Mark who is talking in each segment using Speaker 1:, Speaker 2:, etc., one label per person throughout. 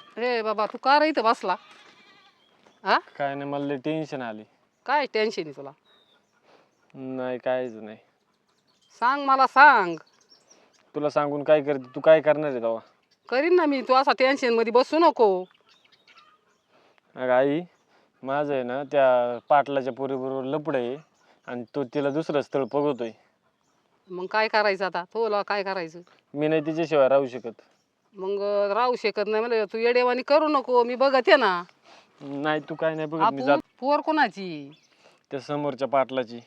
Speaker 1: रे बाबा तू का रे इथं बसला? हा
Speaker 2: काय नाही, मला टेन्शन आली.
Speaker 1: काय टेन्शन आहे तुला?
Speaker 2: नाही काहीच नाही.
Speaker 1: सांग मला सांग.
Speaker 2: तुला सांगून काय करते? तू काय करणार आहे तेव्हा?
Speaker 1: करीन ना मी. तू असा टेन्शन मध्ये बसू नको.
Speaker 2: अगं आई, माझं आहे ना त्या पाटलाच्या पोरीबरोबर लपड आहे आणि तो तिला दुसरं स्थळ बघतोय.
Speaker 1: मग काय करायचं आता? तुला काय करायचं?
Speaker 2: मी नाही तिच्याशिवाय राहू शकत.
Speaker 1: मग राहू शकत नाही म्हणजे तू येडेवानी करू नको. मी बघते ना.
Speaker 2: नाही तू काय नाही बघत, मी
Speaker 1: आपण
Speaker 2: जात
Speaker 1: पोर कोणाची?
Speaker 2: त्या समोरच्या पाटलाची.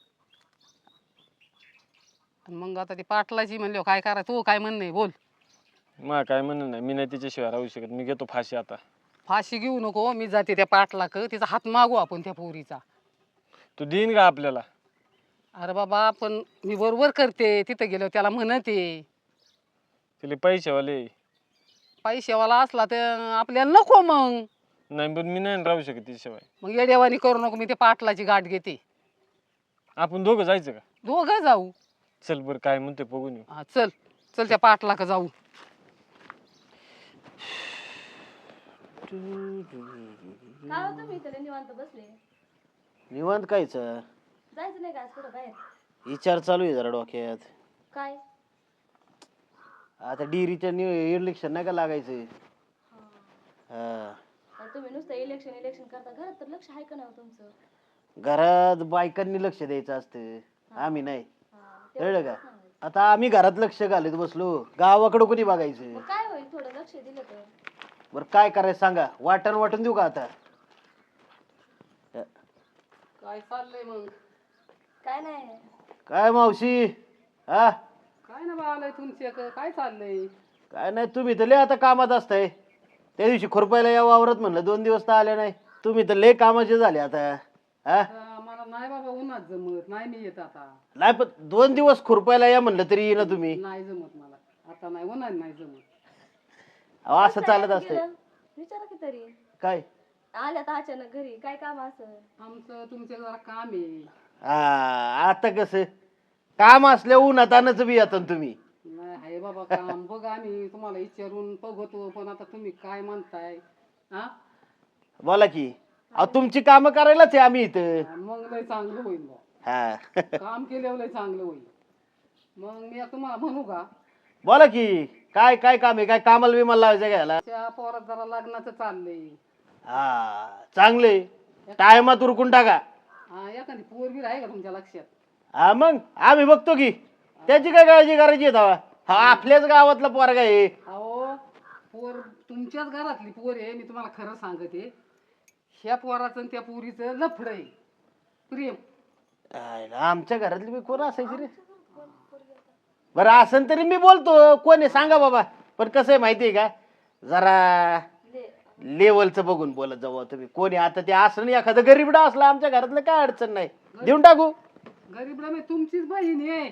Speaker 1: मग आता ती पाटलाची म्हणले काय करा? तू काय म्हणणे बोल.
Speaker 2: मला काय म्हणणं नाही, मी नाही तिच्याशिवाय राहू शकत. मी घेतो फाशी आता.
Speaker 1: फाशी घेऊ नको. मी जाते त्या पाटलाक. तिचा हात मागू आपण त्या पोरीचा.
Speaker 2: तू देईन का आपल्याला?
Speaker 1: अरे बाबा पण मी बरोबर करते. तिथं गेलो त्याला म्हणते.
Speaker 2: तिला पैसेवाले.
Speaker 1: पैशावाला असला तर आपल्याला नको मग.
Speaker 2: नाही पण मी नाही राहू शकत तिच्याशिवाय.
Speaker 1: मग येडेवानी करू नको. मी ते पाटलाची गाठ घेते.
Speaker 2: आपण दोघं जायचं का?
Speaker 1: दोघं जाऊ.
Speaker 2: चल बरं, काय म्हणते बघून येऊ.
Speaker 1: हा चल चल त्या पाटलाक जाऊ.
Speaker 3: काय होतं मी इथे निवांत बसले.
Speaker 4: निवांत कायच
Speaker 3: जायचं नाही का आज कुठं बाहेर?
Speaker 4: विचार चालू आहे जरा डोक्यात.
Speaker 3: काय?
Speaker 4: आता डिरीच्या इलेक्शन नाही का लागायचं? हा.
Speaker 3: तुम्ही नुसतं इलेक्शन इलेक्शन करता. घरात तर लक्ष आहे का नाही हो तुमचं?
Speaker 4: घरात बायकांनी लक्ष द्यायचं असतं, आम्ही नाही. कळलं का?
Speaker 3: सांगायचं.
Speaker 4: आता आम्ही घरात लक्ष घालत बसलो, गावाकडं कोणी बघायचं?
Speaker 3: मग काय होईल थोडं लक्ष दिलं तर?
Speaker 4: बरं काय करायचं सांगा, वाटण वाटून देऊ का आता?
Speaker 1: काय चाललंय मग?
Speaker 3: काय नाही.
Speaker 4: काय मावशी? हा
Speaker 1: काय ना बाळालय तुमचे काय चाललंय?
Speaker 4: काय नाही, तुम्ही तर लय आता कामात असताय. त्या दिवशी खुरपायला या वावरत म्हणलं, 2 दिवस तर आले नाही. तुम्ही तर लय कामाचे झाले आता. हा
Speaker 1: मला नाही बाबा उन्हात जमत नाही. मी येत आता.
Speaker 4: नाही पण 2 दिवस खुरपायला या म्हणलं तरी येईना तुम्ही.
Speaker 1: नाही जमत मला आता. नाही उन्हात नाही जमत.
Speaker 4: अहो, असं चालत असतंय.
Speaker 3: गेलं? विचारा की तरी.
Speaker 4: काय?
Speaker 3: आल्यात अचानक घरी काय काम असं?
Speaker 1: आमचं तुमच्या जरा काम आहे.
Speaker 4: हा आता कसं काम असल्या उन्हात आणच बी येतात तुम्ही.
Speaker 1: नाही आहे बाबा काम. बघ आम्ही तुम्हाला विचारून बघतो पण आता तुम्ही काय म्हणताय? हा
Speaker 4: बोला की. अहो तुमची कामं करायलाच आहे आम्ही इथं.
Speaker 1: मग लय चांगलं होईल बा.
Speaker 4: हा
Speaker 1: काम केल्यावर लय चांगलं होईल. मग मी तुम्हाला म्हणू का?
Speaker 4: बोला की. काय काय काम आहे? काय कामाला बिमाला लावायचं घ्यायला?
Speaker 1: त्या पोरात जरा लग्नाचं चाललंय.
Speaker 4: हा चांगले टायमात उरकून टाका.
Speaker 1: हा एखादी पोरगी आहे का तुमच्या लक्षात?
Speaker 4: हा मग आम्ही बघतो की. त्याची काय काळजी करायची आहे तेव्हा? हा आपल्याच गावातला पोरगा आहे.
Speaker 1: अहो पोर तुमच्याच घरातली पोर आहे. मी तुम्हाला खरं सांगते. ह्या पोराचं आणि त्या पोरीचं लफड आहे. प्रेम.
Speaker 4: आमच्या घरातली बी कोण असायची रे? बरं असन तरी मी बोलतो. कोण आहे सांगा बाबा. पण कसं आहे माहिती आहे का, जरा लेवलचं बघून बोलत जाऊ तुम्ही. कोणी आता ते असं नाही, एखादं गरीबडा असला आमच्या घरातलं काय अडचण नाही, देऊन टाकू.
Speaker 1: गरीबला मी तुमचीच बहीण आहे.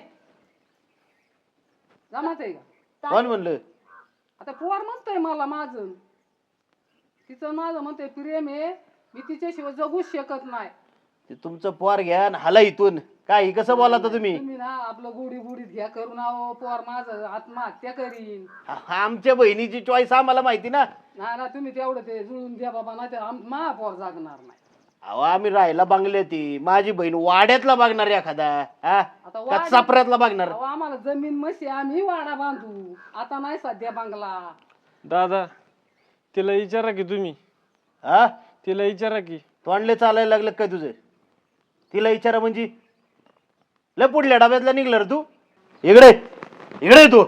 Speaker 1: जमत आहे का?
Speaker 4: कोण म्हणलं?
Speaker 1: आता पोर म्हणतोय मला माझं. तिचं माझं म्हणतोय प्रेम आहे. मी तिच्याशिवाय जगूच शकत नाही.
Speaker 4: ते तुमचं पोर घ्या आणि हाला इथून. काय कसं बोला तुम्ही?
Speaker 1: तुम्ही ना आपलं गुढी गुढीत घ्या करून. अहो पोर माझं आत्महत्या करीन.
Speaker 4: आमच्या बहिणीची चॉईस आम्हाला माहिती ना.
Speaker 1: नाही ना तुम्ही तेवढं ते जुळून द्या बाबा. नाही तर मा पोर जागणार नाही.
Speaker 4: अहो आम्ही राहायला बांगले ती. माझी बहीण वाड्यातला बघणार एखादा, हा
Speaker 1: आता
Speaker 4: का चापऱ्यातला बघणार?
Speaker 1: अहो आम्हाला जमीन मशी आम्ही वाडा बांधू. आता नाही सध्या बंगला.
Speaker 2: दादा, तिला विचारा की तुम्ही.
Speaker 4: हा
Speaker 2: तिला विचारा की.
Speaker 4: तोंडले चालायला लागलं काय तुझं? तिला विचारा म्हणजे लय पुढल्या डब्यातला निघलं रे तू. इकडे इकडे तू.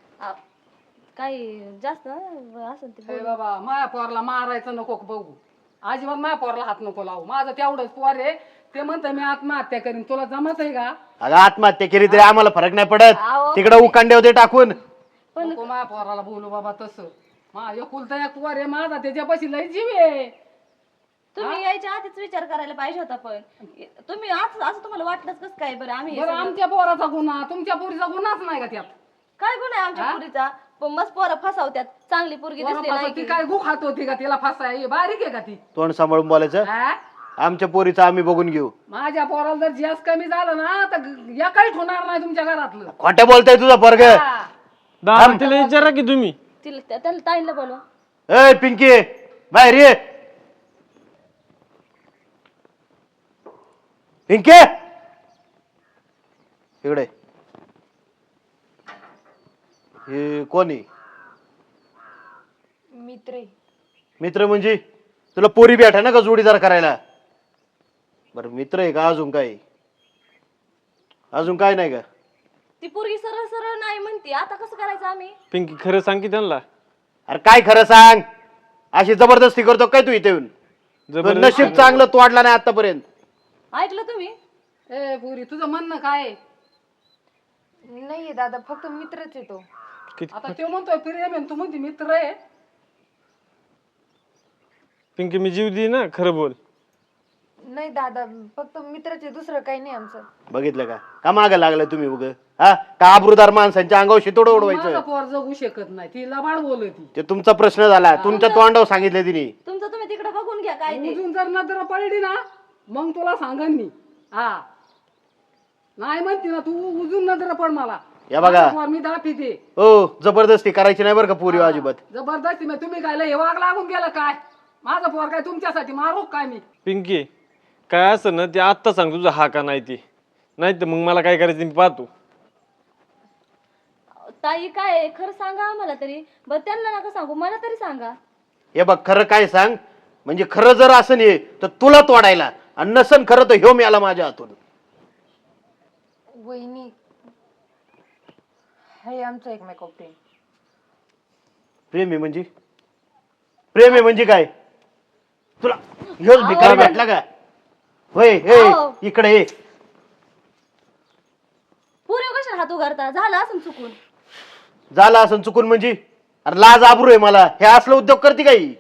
Speaker 3: काही जास्त असं ते
Speaker 1: हे बाबा माया पोरला मारायचं नको बघू. अजिबात माया पोरला हात नको लावू. माझं तेवढंच पोर आहे. ते म्हणतं मी आत्महत्या करीन. तुला जमत आहे का?
Speaker 4: अगं आत्महत्या केली तरी आम्हाला फरक नाही पडत.
Speaker 3: अहो,
Speaker 4: तिकडे उकांडे होते टाकून.
Speaker 1: नको माया पोराला बोलू बाबा तसं. मा एकुलता एक पोर आहे माझा. त्याच्यापाशी लय जीव आहे.
Speaker 3: तुम्ही यायच्या आधीच विचार करायला पाहिजे होता. पण तुम्ही असं तुम्हाला वाटलंच कसं काय? बरं आम्ही
Speaker 1: बरं आमच्या पोराचा गुन्हा तुमच्या पोरीचा गुन्हाच नाही का त्यात?
Speaker 3: काय गुन्हा आहे आमच्या पुरीचा? पण मस्त पोरं फसवत्यात. चांगली पोरगी दिसली नाही
Speaker 1: ती
Speaker 3: की.
Speaker 1: काय गु खात होती का? तिला फसाय बारीक आहे का ती?
Speaker 4: तोंड सांभाळून बोलायचं.
Speaker 1: हा?
Speaker 4: आमच्या पोरीचं आम्ही बघून घेऊ.
Speaker 1: माझ्या पोराला जर जास्त कमी झालं ना तर या काही होणार नाही तुमच्या घरातलं.
Speaker 4: खोटं बोलताय तुझा पोरग.
Speaker 1: हा.
Speaker 2: दादा, तिला विचारा की तुम्ही.
Speaker 3: तिला त्याला ताईला बोलवा.
Speaker 4: ए पिंकी बाहेर ये. पिंकी इकडे. हे कोणी
Speaker 5: मित्र
Speaker 4: मित्र म्हणजे तुला पोरी भेटा ना का जोडीदार करायला? बरं मित्र आहे का? अजून काय? अजून काय नाही का?
Speaker 3: ती पोरगी सरळ सरळ नाही म्हणते, आता कसं करायचं आम्ही?
Speaker 2: पिंकी खरं सांग की त्यांना.
Speaker 4: अरे काय खरं सांग, अशी जबरदस्ती करतो काय तू इथे येऊन? तुझं नशीब चांगलं तोडला नाही आतापर्यंत.
Speaker 3: ऐकलं तुम्ही?
Speaker 1: ए पुरी तुझं म्हणणं काय आहे?
Speaker 5: नाहीये दादा, फक्त मित्रच आहे तो.
Speaker 1: आता तो म्हणतोय प्रेम आहे, तू म्हणते मित्र आहे.
Speaker 2: पिंकी मी जीव दे ना, खरं बोल.
Speaker 5: नाही दादा, फक्त मित्रच आहे, दुसरं काही नाही आमचं.
Speaker 4: बघितलं का मागं लागलाय तुम्ही उग? हा का आबरूदार माणसांच्या अंगावर शितोड
Speaker 1: माझा
Speaker 4: उडवायचं?
Speaker 1: पोर जगू शकत नाही, ती लबाड बोलती.
Speaker 4: ते तुमचा प्रश्न झाला, तुमच्या तोंडावर सांगितलं तिने.
Speaker 3: तुमचं तुम्ही तिकडे बघून घ्या काय ते.
Speaker 1: उजून जर नजर पडली ना मग तुला सांगन मी. हा नाही म्हणते ना तू, उजून नजर पड मला.
Speaker 4: या बघा.
Speaker 1: माझा पोर मी दाखवते.
Speaker 4: हो जबरदस्ती करायची नाही बरं का पोरी अजिबात.
Speaker 1: जबरदस्ती मग तुम्ही काय लय वाग लागून गेलं काय? माझा पोर काय तुमच्यासाठी मारू काय मी?
Speaker 2: पिंकी काय असं ना ते आत्ता सांग तुझा हा का नाही ते, नाही तर मग मला काय करायचं मी पाहतो.
Speaker 3: ताई काय आहे? खरं सांगा आम्हाला तरी. बरं त्यांना नका सांगू, मला तरी सांगा.
Speaker 4: हे बघ खरं काय सांग, म्हणजे खरं जर असं नाही तर तुला तोडायला, आणि नसन खरं तर ह्यो मिळाला माझ्या हातून.
Speaker 5: वहिनी, हे आमचं एकमेकावर प्रेम.
Speaker 4: प्रेम आहे म्हणजे? प्रेम आहे म्हणजे काय? तुला ह्योच भिकारी भेटला का? होय हे
Speaker 3: अहो.
Speaker 4: इकडे ये.
Speaker 3: पुरे कशाला हात उगारता? झालं असं चुकून.
Speaker 4: झाला असं चुकून म्हणजे? अरे लाज आबरू आहे मला, हे असलं उद्योग करते काही?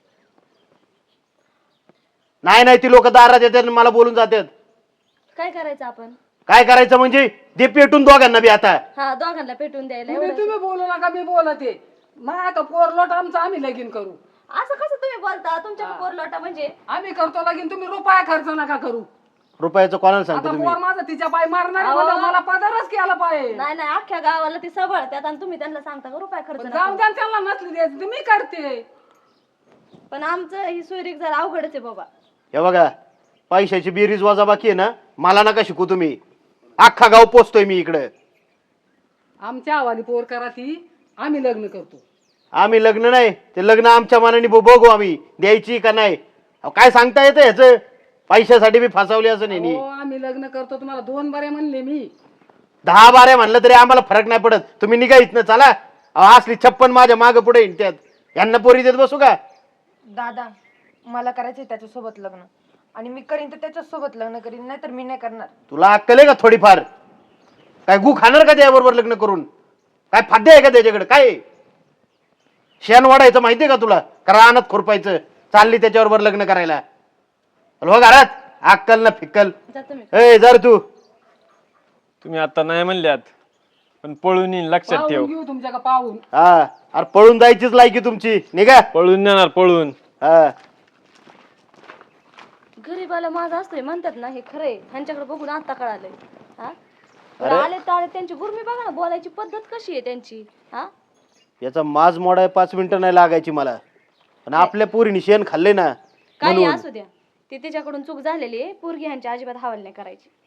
Speaker 4: नाही नाही ती लोक दारात येतात आणि मला बोलून जातात.
Speaker 3: काय करायचं आपण?
Speaker 4: काय करायचं म्हणजे? दे पेटून दोघांना बी आता.
Speaker 3: हा, दोघांना पेटून द्यायला
Speaker 1: तुम्ही
Speaker 3: एवढं.
Speaker 1: तुम्ही बोलू नका, मी बोलते. माझा आता पोर लोट आमचं आम्ही लगीन करू.
Speaker 3: असं कसं तुम्ही बोलता? तुमच्या पोर लोटा म्हणजे?
Speaker 1: आम्ही करतो लगीन, तुम्ही रुपया खर्च नका करू.
Speaker 4: रुपयाचं कोणाला सांगतो
Speaker 1: आता
Speaker 4: तुम्ही?
Speaker 1: पोर माझं तिच्या पाय मारणार
Speaker 3: अहो.
Speaker 1: म्हणल्यावर मला पदरच केला पाहिजे.
Speaker 3: नाही नाही, अख्ख्या गावाला ती सबळत्यात आणि तुम्ही त्यांना सांगता का रुपये खर्च नका?
Speaker 1: जाऊन द्या ना, त्यांना नसली द्यायची तुम्ही करते.
Speaker 3: पण आमचं ही सोयरीक जरा अवघडच आहे बाबा.
Speaker 4: हे बघा, पैशाची बेरीज वाजा बाकी आहे ना, मला नका शिकू तुम्ही. अख्खा गाव पोचतोय मी इकडे.
Speaker 1: आमच्या आवानी पोर करा ती, आम्ही लग्न करतो.
Speaker 4: आम्ही लग्न नाही, ते लग्न आमच्या मनाने बघू आम्ही द्यायची का नाही. अहो, काय सांगता येतं ह्याचं? पैशासाठी मी फसवले असं नाही.
Speaker 1: हो आम्ही लग्न करतो. तुम्हाला 2 बारे म्हणले मी.
Speaker 4: 10 बाऱ्या म्हणलं तरी आम्हाला फरक नाही पडत. तुम्ही निघा इथनं, चला. अहो, असली 56 माझ्या माग पुढे त्यात यांना पोरी देत बसू का?
Speaker 5: दादा, मला करायचंय त्याच्यासोबत लग्न, आणि मी करीन तर त्याच्यासोबत लग्न करीन, नाही तर मी नाही करणार.
Speaker 4: तुला अक्कल आहे का थोडीफार? काय गु खाणार का त्याबरोबर लग्न करून? काय फाद्य आहे का त्याच्याकडे? काय शेण वाढायचं माहितीये का तुला? का रानात खुरपायचं? चालली त्याच्याबरोबर लग्न करायला? हो घरात अक्कल ना फिक्कल.
Speaker 3: जा तुम्ही.
Speaker 4: ए जर तू
Speaker 2: तुम्ही आता नाही म्हणल्यात पण पळून येईन, लक्षात ठेव.
Speaker 1: पाहून घेऊ तुमच्या का पाहून.
Speaker 4: हा अरे पळून जायचीच लायकी तुमची. निघा.
Speaker 2: पळून येणार, पळून.
Speaker 4: हा
Speaker 3: गरीबाला माझा असतोय म्हणतात ना, हे खरंय. ह्यांच्याकडे बघून आता कळालंय. हा, बरं, आले तर आले, त्यांची गुरमी बघा ना, बोलायची पद्धत कशी आहे त्यांची. हा,
Speaker 4: याचा माज मोडाय 5 मिनिटं नाही लागायची मला. पण आपल्या पोरीने शेण खाल्ले ना
Speaker 3: काही
Speaker 4: म्हणून.
Speaker 3: असू द्या, ती तिच्याकडून चूक झालेली आहे. पोरगी ह्यांच्या अजिबात हवाल नाही करायची.